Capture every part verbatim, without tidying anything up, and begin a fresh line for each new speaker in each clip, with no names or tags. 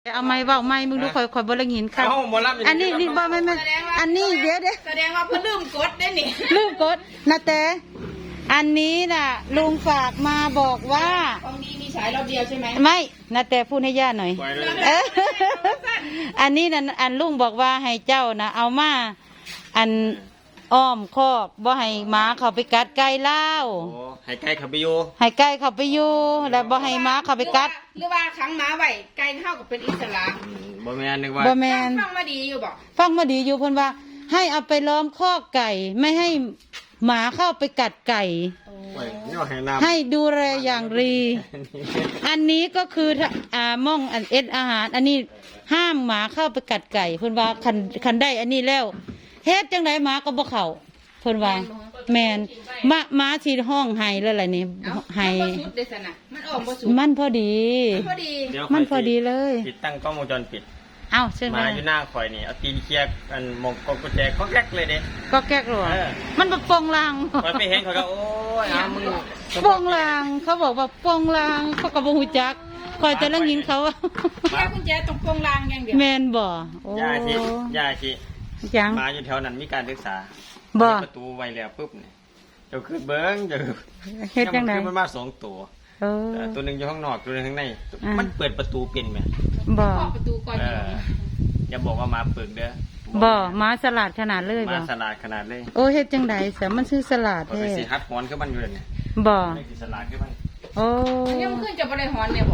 เอาไม้เว้าไม้มึงดูคอยคอยบ่ละยินครับอันนี้นี่บ่ไม่ไม่อันนี้เดี๋ยวเดี๋ยว
แสดงว่าเพิ่นลืมกดได้นี่
ลืมกดนะแต่อันนี้น่ะลุงฝากมาบอกว่า
ของดีมีฉายรอบเดียวใช่ไหม
ไม่นะแต่พูดให้ย่าหน่อยเอออันนี้น่ะอันลุงบอกว่าให้เจ้านะเอามาอันอ้อมคอกบ่ให้หมาเข้าไปกัดไก่เล่า
ให้ไก่เข้าไปอยู่
ให้ไก่เข้าไปอยู่แล้วบ่ให้หมาเข้าไปกัด
หรือว่าขังหมาไว้ไก่เข้ากับเป็นอิสระ
บ่แม่นนึกว่า
บ่แม่น
ฟังมาดีอยู่บ่
ฟังมาดีอยู่เพิ่นว่าให้เอาไปล้อมคอกไก่ไม่ให้หมาเข้าไปกัดไก่ให้ดูแลอย่างดีอันนี้ก็คืออ่าม่องอันเอ็ดอาหารอันนี้ห้ามหมาเข้าไปกัดไก่เพิ่นว่าคันคันได้อันนี้แล้วเฮ็ดจังได๋หมาก็บ่เข้าเพิ่นว่าแม่นมาหมาสิห้องไห้แล้วล่ะนี่ไห้
มันออกบ่สุด
มันพอดี
พอดี
มันพอดีเลย
ติดตั้งกล้องวงจรปิด
เอ้าเชิญ
มาอยู่หน้าข่อยนี่เอาตีนเคลียร์อันมองกกุญแจก็แก๊กเลยเด้
ก็แก๊กหรอมันบ่ปองลาง
ข่อยไปเห็นเขาก็โอ้ยอ้ามึง
ปองลางเขาบอกว่าปองลางเขาก็บ่ฮู้จักข่อยแต่ละยินเขา
แค่กุญแจต้องปองลางอย่างเดียว
แม่นบ่โอ้
ย่าสิย่าสิ
จัง
มาอยู่แถวนั้นมีการศึกษา
บ่
ประตูไว้แล้วปุ๊บนี่เจ้าคือเบิ่งเจ้า
เฮ็ดจังได๋
มันมาสองตัวเออตัวนึงอยู่ข้างนอกตัวนึงข้างในมันเปิดประตูเป็นแม่
บ่
ประตูก่อน
อย่าบอกว่ามาเปิดเด้อ
บ่มาสลัดขนาดเลยบ่
มาสลัดขนาดเลย
โอ้เฮ็ดจังได๋ซะมันชื่อสลัดแท้
สิฮัดหอนคือมันอยู่นี่
บ่
สิสลัดคือมัน
โอ้
ยังขึ้นจะบ่ได้หอนเนี่ยบ่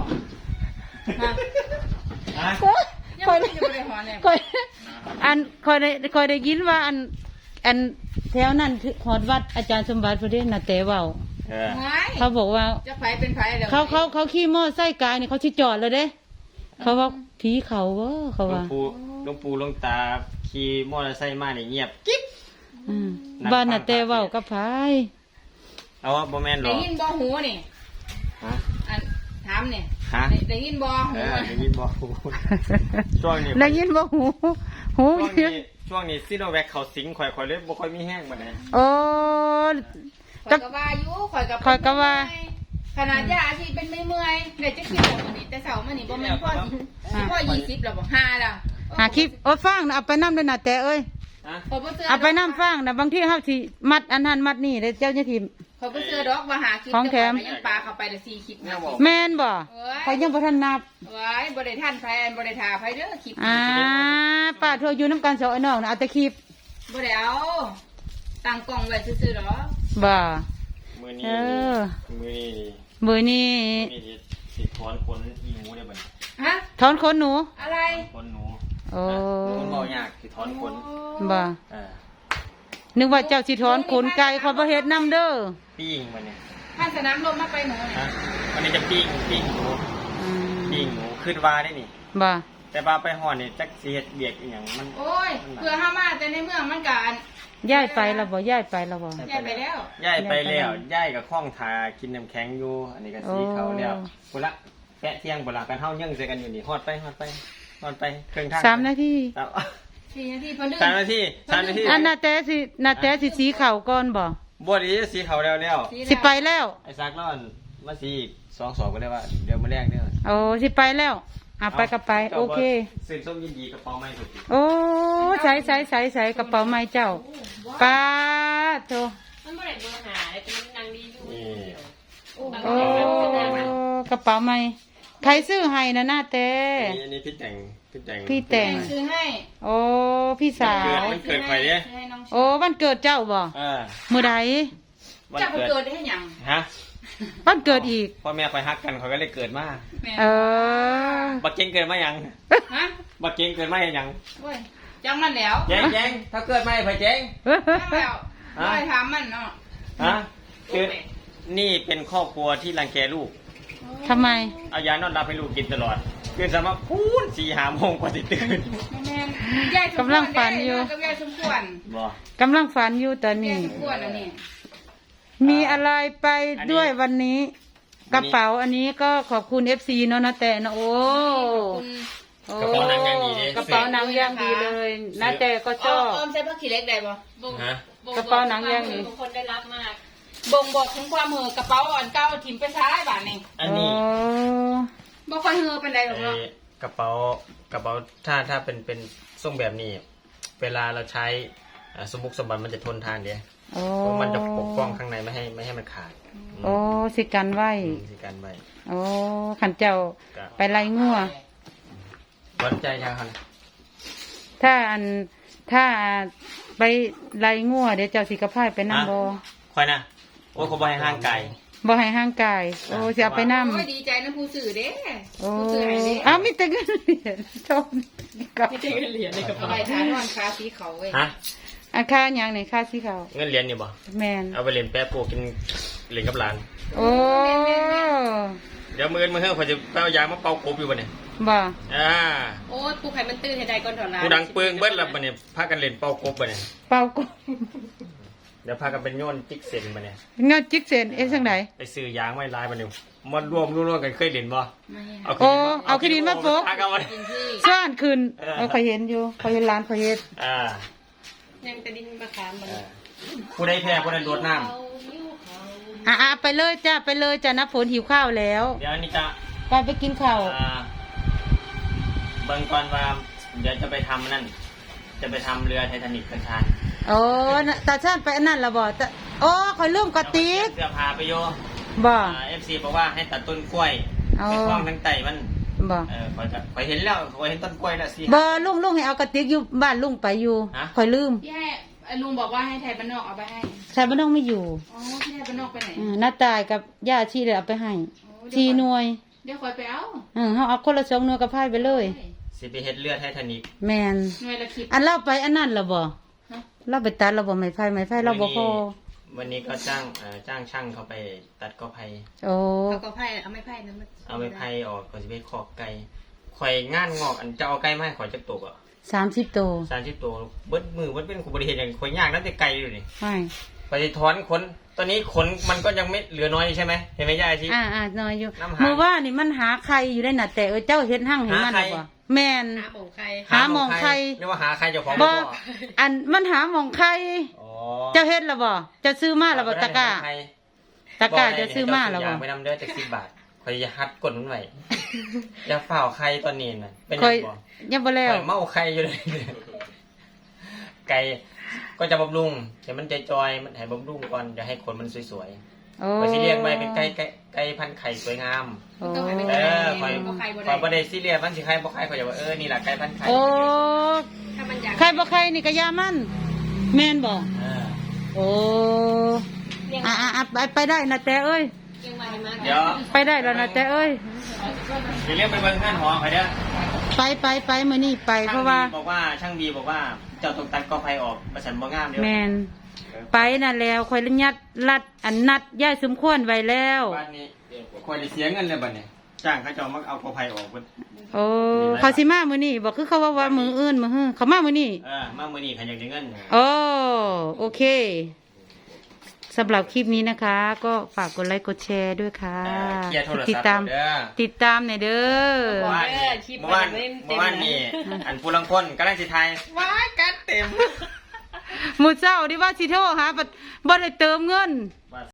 ฮะค่อยจะบ่ได้หอนเนี่ย
ค่อยอันค่อยได้ค่อยได้ยินว่าอันอันแถวนั้นฮอดวัดอาจารย์สมบัติพุ่นเด้น่ะแต่เว้า
เออ
เขาบอกว่า
จะไผเป็นไผแล้ว
เขาเขาเขาขี่มอไซค์กายนี่เขาสิจอดแล้วเด้เขาว่าผีเขาบ่เขาว่า
หลวงปู่หลวงปู่หลวงตาขี่มอเตอร์ไซค์มานี่เงียบกิ๊บ
อืมบ้านน่ะแต่เว้ากับไผ
เอาว่าบ่แม่นหรอ
ได้ยินบ่หูนี่ฮะอันถามนี่
ฮะ
ได้ยินบ่หู
ได้ยินบ่หูช่วงนี้
ได้ยินบ่หูหู
ช่วงนี้ช่วงนี้ซิโนแวคเขาสิงข่อยๆเลยบ่ค่อยมีแห้งบัดนี้
โอ้
ข่อยก็ว่าอยู่ข่อยก็
ข่อยก็ว่า
ขนาดยาที่เป็นไม่เมื่อยเดี๋ยวจะคิดแบบนี้แต่เช้ามื้อนี้บ่แม่นพ่อพ่อยี่สิบแล้วบ่ห้าแล้ว
หาคลิปโอ้ฟังเอาไปนำด้วยน่ะแต่เอ้ยเอาไปนำฟังน่ะบางทีเฮาสิมัดอันนั้นมัดนี่เจ้าเนี่ยที
ข่อยบ่เชื่อดอกว่าหาคลิป
ของแถม
ยังปลาเข้าไปละสี่คลิป
แม่นบ่ข่อยยังบ่ทันนับ
ไว้บ่ได้ทันไผบ่ได้ท่าไผเด้อคลิป
อ่าป้าโทรอยู่นำกันสองไอ้น้องน่ะเอาแต่คลิป
บ่ได้เอาตั้งกล้องไว้ซื่อๆดอก
บ่
มื้อนี้มื้อนี้
มื้อนี้
สิถอนขนอีหนูได้บ่
ฮะถอนขนหนู
อะไร
ขนหนู
โอ้
มันบ่ยากสิถอนขน
บ่เออนึกว่าเจ้าสิถอนขนไก่เขาบ่เฮ็ดนำเด้อ
ปิ้งมันเนี่ย
ท่านสนามลมมาไปหนูเนี่ย
วันนี้จะปิ้งปิ้งหนูปิ้งหนูขึ้นว่าได้นี่
บ่
แต่ว่าไปห่อนี่จักสิเฮ็ดเบียกอีหยังมัน
โอ้ยเพื่อเฮามาแต่ในเมืองมันก็อัน
ย้ายไปแล้วบ่ย้ายไปแล้วบ่
ย้ายไปแล้ว
ย้ายไปแล้วย้ายกับข้องทากินน้ำแข็งอยู่อันนี้ก็สีเขาแล้วพุ่นละแปะเที่ยงบ่ล่ะกันเฮายังใส่กันอยู่นี่ฮอดไปฮอดไปฮอดไปเครื่องทาง
สามนาที
สี่นาทีเพิ่น
ดื้อสามนาทีสามนาที
อันน่ะแต่สิน่ะแต่สิสีขาวก่อนบ่
บ่ดีสีขาวแล้วแล้ว
สิไปแล้ว
ไอ้ซักร้อนมาสีอีกสอง สองก็ได้ว่าเดี๋ยวมื้อแรกเด้อ
โอ้สิไปแล้วอ่ะไปก็ไปโอเค
ซื้อส้มยินดีกระเป๋าใหม่สุด
โอ้ใส่ใส่ใส่ใส่กระเป๋าใหม่เจ้าป้าโต
มันบ่ได้เบอร์หาเป็นนางดีอยู่
โอ้กระเป๋าใหม่ใครซื้อให้นะหน้าเต้
อันนี้พี่แต่งพี่แต่ง
พี่แต่ง
ซื้อให้
โอ้พี่สาว
มันเกิดใครเนี่ย
โอ้วันเกิดเจ้าบ่มื้อใด
เจ้าเกิดได้หยัง
ฮะ
วันเกิดอีก
พ่อแม่คอยฮักกันเขาก็เลยเกิดมา
เออ
บักเก่งเกิดมายัง
ฮะ
บักเก่งเกิดมายัง
โอ้ยจังมันแล้ว
เจ๊งเจ๊งถ้าเกิดมาไผเจ๊ง
แล้วไม่ถามมันเนาะ
ฮะคือนี่เป็นครอบครัวที่รังแกลูก
ทำไม
เอายานอนหลับให้ลูกกินตลอดเกินสามารถพูนสี่หาโมงกว่าจะตื่น
กำลังฝันอยู่กำลังฝันอยู่ตอนนี้มีอะไรไปด้วยวันนี้กระเป๋าอันนี้ก็ขอบคุณเอฟซีเนาะนะแต่นะโอ้
กระเป๋าหนังย่างดี
กระเป๋าหนังย่างดีเลยนะแต่ก็ชอบ
อ้อมใช้ผ้าขี้เล็กได้ปะ
กระเป๋าหนังย่างดี
คนได้รับมากบ่งบอกถึงความเห่อกระเป๋าอ่อนเก้าถิ่มไปซ้ายบ้านนี่
อันนี้
บ่ค่อยเห่อเป็นไรหรอกเนาะ
กระเป๋ากระเป๋าถ้าถ้าเป็นเป็นทรงแบบนี้ เวลาเราใช้อ่าสมบุกสมบัติมันจะทนทานเดียว
โอ้
มันจะปกป้องข้างในไม่ให้ไม่ให้มันขาด
โอ้สิกันไว้
อืมสิการไว้
โอ้ขันเจ้า
ก็
ไปไล่งัว
วัดใจชาคัน
ถ้าอันถ้าไปไล่งัวเดี๋ยวเจ้าสิกระพายไปนำบ่
ค่อยนะโอ้ยเขาบให้ห่างไกล
บ่ให้ห่างกายโอ้สิเอาไปนำ
โอ้ยดีใจนะผู้สื่อเด้
โอ้
ผู้สื่อให้เด้
อ้าวมีแต่เงินเหรียญชมกับ
ไม่ใช่เงินเหรียญในกระเป๋าใบทานอนคาสีเขาเว้ย
ฮะ
อาค่าหยังนี่ค่าสิเขา
เงินเหรียญนี่บ่
แม่น
เอาไปเล่นแป๊ะโปกินเล่นกับหลาน
โอ้
เดี๋ยวมืออนมือเฮ้ยเขาจะเป้ายางมาเป่ากบอยู่บ่เนี่ย
บ่
อ่า
โอ้ยปลูกไข่มันตื่นให้ได้ก่อนถอดร้าน
กูดังเปิงเบิดแล้วบ่เนี่ยพากันเล่นเป่ากบบ่เนี่ย
เป่าก็
เดี๋ยวพากันเป็นโยนจิกเซนบ่เนี่ย
เงาจิกเซนเอ๊ะจังได
ไปซื้อยางไว้ลายบ่เนี่ยมันรวมรวมๆกันเคยเล่นบ่
ไม่
เอา
โอ้เอาขี้ดินมาโปะ
พากันมา
กินที่
ซ่านขึ้น
เออ
เออข่อยเห็นอยู่ข่อยเห็นร้านข่อยเฮ็ด
อ่า
ยังแต่ดินมะขามมัน
อ่าผู้ใดแพ้ผู้นั้นโดดน้ำ
อ่ะอ่ะไปเลยจ้าไปเลยจ้าน้ำฝนหิวข้าวแล้ว
เดี๋ยวอันนี้จะ
ไปไปกินข้าว
อ่าเบิ่งก่อนว่าเดี๋ยวจะไปทำนั่น จะไปทำเรือไททานิคกระชาน
โอ้น่ะตาชาติไปอันนั้นและบ่ตาโอ้ข่อยลืมกระติก
เสื้อผ้าไปโย
บ่
เอฟซีบอกว่าให้ตัดต้นกล้วย
เอา
ไปคล้องทั้งไตมัน
บ่
เออคอยจะคอยเห็นแล้วคอยเห็นต้นกล้วยแล้วสิ
บ่ลุงลุงให้เอากระติกอยู่บ้านลุงไปอยู่
ฮะ
ข่อยลืม
พี่ให้ไอ้ลุงบอกว่าให้ไทยบ้านนอกเอาไปให้
ชายบ้านน้องไม่อยู่
อ๋อพี่ไทยบ้านนอกไปไหน
อืมน้าตายกับย่าชีเลยเอาไปให้
โอ้
ชีหน่วย
เดี๋ยวคอยไปเอา
อืมเฮาเอาคนละสองหน่วยกับพายไปเลย
สิไปเฮ็ดเรือไททานิค
แมน
หน่วยละคิด
อันเล่าไปอันนั้นและบ่
ฮะ
เล่าไปตัดและบ่ไม้ไผ่ไม้ไผ่เราบ่พอ
วันนี้ก็จ้างเอ่อจ้างช่างเขาไปตัดกอไผ่
โอ้
เอาก็ไผ่เอาไม่ไผ่นะมัน
เอาไม้ไผ่ออกก็สิไปขอกไก่ข่อยงานงอกอันจะเอาไก่มาให้ข่อยจักตกอ่ะ
สามสิบโต
สามสิบตัวเบิดมือเบิดเป็นกูบริเฮ็ดหยังข่อยยากนั่นแต่ไก่อยู่นี่
ไม่
ไปถอนขนตอนนี้ขนมันก็ยังไม่เหลือน้อยใช่ไหมเห็นไหมยายอาชี
อ่าอ่าน้อยอยู่
น้ำหา
เมื่อว่านี่มันหาใครอยู่ได้น่ะแต่เออเจ้าเฮ็ดหั่งให้มัน
หาใคร
น่ะบ่แม่น
หาของใคร
หาหมองใคร
เรียกว่าหาใครเจ้าของ
บ่
บ่
อันมันหาหมองใคร
อ๋อ
เจ้าเฮ็ดและบ่เจ้าซื้อมาและบ่ตะกร้า
ใคร
ตะกร้าเจ้าซื้อมาและบ่
ไปนำเด้อจากสิบบาทคอยจะฮัดกดมันไว้ อย่าฝ่าวใครตอนนี้น่ะเป็น
ค่
ยั
อย
งบ่
ยังบ่แล้ว
ข่อยเมาใครอยู่เลย ไก่ก็จะบำรุงเดี๋ยวมันใจจอยมันให้บำรุงก่อนจะให้ขนมันสวย
โอ้
ๆคอยสิเลี้ยงไว้เป็นไก่ไก่ไก่พันธุ์ไข่สวยงาม
โอ้
เออคอย
บ่ไข่บ่
ค
ได้
อยบ่ได้ซีเรียสมันสิใครบ่ใครคอยจะว่าเออนี่แหละไก่พันธุ์ไข่
โอ้
ถ้ามันอยาก
ใครบ่ใครนี่ก็ยามันแม่นบ่
เออ
โอ้
เลี้ยง
อ่ะอ่ะอ่ะไปไปได้นะแต่เอ้ย
เลี้ยงมาให้มา
เดี๋ยว
ไปได้แล้วนะแต่เอ้ย
เดี๋ยวเรียกไปเบิ่งงานหอคอยเด้อ
ไปไปไปมื้อนี้ไปเพ
ช่าง
ราะ
บี
ว่า
บอกว่าช่างบีบอกว่าเจ้าต้องตัดกอไผ่ออกประสันบ่งามเด้อ
แมนไปนั่นแล้วคอยยัดลัดอันนัดย่ายสมควรไว้แล้ว
บ้านนี้คอยได้เสียเงินเลยบัดนี้จ้างเขาเจ้ามาเอากอไผ่ออกเพิ่น
โอ้เขาสิมามื้อนี้บอกคือเขาว่าว่ามื้ออื่นมื้อฮื้อเขามามื้อนี้
เออมามื้อนี้ใครอยากได้เงิน
โอ้โอเคสำหรับคลิปนี้นะคะ ก็ฝากกดไลค์กดแชร์ด้วยค่ะ
เออเคลียร์โทร
ติด
ศัพท์
ตาม
เด้อ
ติดตามหน่อยเด้อ
เมื่อวานนี่เมื่อวานเมื่อวานนี่อันผู้ลังคนกำลังสิทายว้ายกัดเต็ม
หมู่เจ้าที่ว่าสิโทรหาบัดบ่ได้เติมเงิน